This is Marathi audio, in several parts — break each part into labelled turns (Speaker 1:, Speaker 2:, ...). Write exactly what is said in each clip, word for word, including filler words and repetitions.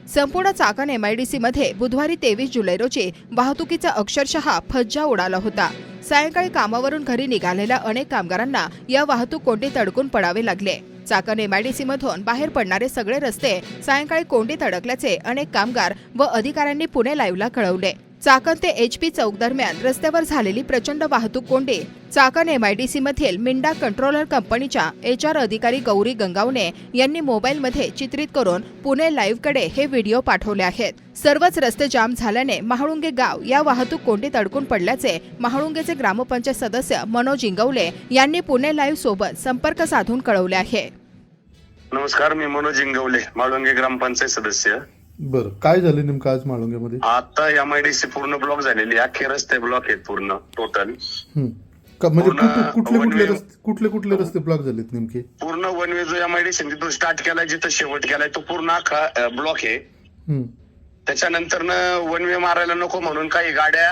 Speaker 1: संपूर्ण चाकण एमआयडीसी मध्ये बुधवारी तेवीस जुलै रोजी वाहतुकीचा अक्षरशः फज्जा उडाला होता। सायंकाळी कामावरून घरी निघालेल्या अनेक कामगारांना या वाहतूक कोंडीत अडकून पडावे लागले। चाकण एमआयडीसी मधून बाहेर पडणारे सगळे रस्ते सायंकाळी कोंडीत अडकल्याचे अनेक कामगार व अधिकाऱ्यांनी पुणे लाईव्हला कळवले। चाकण ते एचपी चौक दरम्यान रस्त्यावर झालेली प्रचंड वाहतूक कोंडी चाकण एमआयडीसी मधील मिंडा कंट्रोलर कंपनीच्या एचआर अधिकारी गौरी गंगावणे यांनी मोबाईलमध्ये चित्रित करून पुणे लाईव्हकडे हे व्हिडिओ पाठवले आहेत। सर्वच रस्ते जाम झाल्याने महाळुंगे गाव या वाहतूक कोंडीत अडकून पडल्याचे महाळुंगेचे ग्रामपंचायत सदस्य मनोज इंगवले यांनी पुणे लाईव्ह सोबत संपर्क साधून कळवले आहे।
Speaker 2: नमस्कार, मी मनोज इंगवले, माळुंगे ग्रामपंचायत सदस्य।
Speaker 3: बरं, काय झालं नेमकं आज माळुंगेमध्ये?
Speaker 2: आता एमआयडीसी पूर्ण ब्लॉक झालेली, अख्खे रस्ते ब्लॉक आहेत पूर्ण टोटल।
Speaker 3: म्हणजे कुठले कुठले रस्ते कुठले कुठले रस्ते ब्लॉक झालेत नेमके?
Speaker 2: पूर्ण वन वे जो एमआयडीसी जिथून स्टार्ट केलाय जिथं शेवट केलाय तो पूर्ण अख्खा ब्लॉक आहे। त्याच्यानंतर वन वे मारायला नको म्हणून काही गाड्या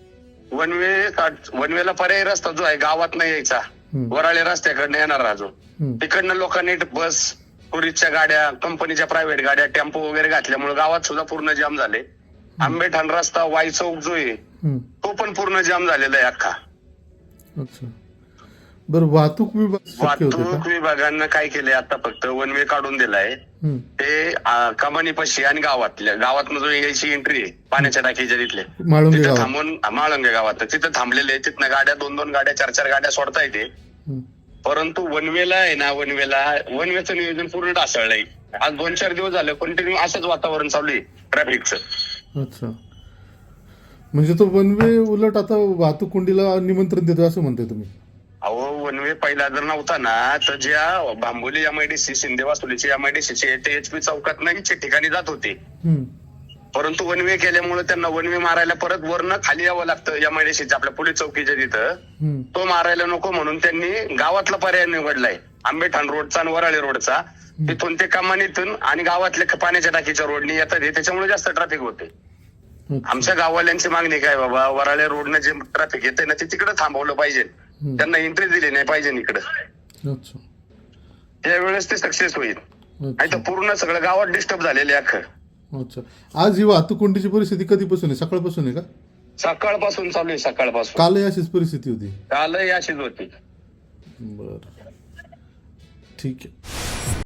Speaker 2: वन वे वन वेला पर्यायी रस्ता जो आहे गावात नाही यायचा, वराळे रस्त्याकडनं येणार राजो, तिकडनं लोकांनी बस टुरिस्टच्या गाड्या, कंपनीच्या प्रायव्हेट गाड्या, टेम्पो वगैरे घातल्यामुळे गावात सुद्धा पूर्ण जाम झाले। आंबेठाण रस्ता, वाई चौक जो आहे तो पण पूर्ण जाम झालेला आहे अख्खा।
Speaker 3: अच्छा, बरं, वाहतूक विभाग
Speaker 2: वाहतूक विभागानं काय केलंय आता फक्त वन वे काढून दिलाय ते कमानीपाशी आणि गावातल्या गावात जो यायची एंट्री आहे पाण्याच्या टाकीच्या तिथले तिथे थांबून माळुंगे गावात तिथं थांबलेले, तिथनं गाड्या दोन दोन गाड्या चार चार गाड्या सोडता येते। परंतु वनवेला आहे ना, वनवेला वनवेचं नियोजन पूर्ण ढासळलंय। आज दोन चार दिवस झाले कंटिन्यू असंच वातावरण चालू आहे ट्रॅफिकचं।
Speaker 3: अच्छा, म्हणजे तो वनवे उलट आता वाहतूक कोंडीला निमंत्रण देतो असं म्हणताय तुम्ही?
Speaker 2: अहो, वनवे पहिला जर नव्हता ना तर ज्या बांबोली एमआयडीसी, शिंदे वासुलीची एमआयडीसीचे ते एचपी चौकात नाहीच्या ठिकाणी जात होते, परंतु वनवे केल्यामुळे त्यांना वनवे मारायला परत वरनं खाली यावं लागतं एमआयडीसीच्या आपल्या पोलीस चौकीच्या तिथं। तो मारायला नको म्हणून त्यांनी गावातला पर्याय निवडलाय, आंबेठाण रोडचा आणि वराळे रोडचा। तिथून ते कमानीतून आणि गावातल्या पाण्याच्या टाकीच्या रोडनी येतात, त्याच्यामुळे जास्त ट्रॅफिक होते। आमच्या गाववाल्यांची मागणी काय बाबा, वराळे रोडनं जे ट्रॅफिक येते ना ते तिकडे थांबवलं पाहिजे, त्यांना एंट्री दिली नाही पाहिजे इकडं। त्यावेळेस ते सक्सेस होईल, नाही तर पूर्ण सगळं गावात डिस्टर्ब झालेले अख्खं।
Speaker 3: अच्छा, आज ही वाहतूक कोंडीची परिस्थिती कधीपासून आहे? सकाळपासून आहे का?
Speaker 2: सकाळपासून चालू आहे, सकाळपासून।
Speaker 3: कालही अशीच परिस्थिती होती?
Speaker 2: कालही अशीच होती।
Speaker 3: बरं, ठीक आहे।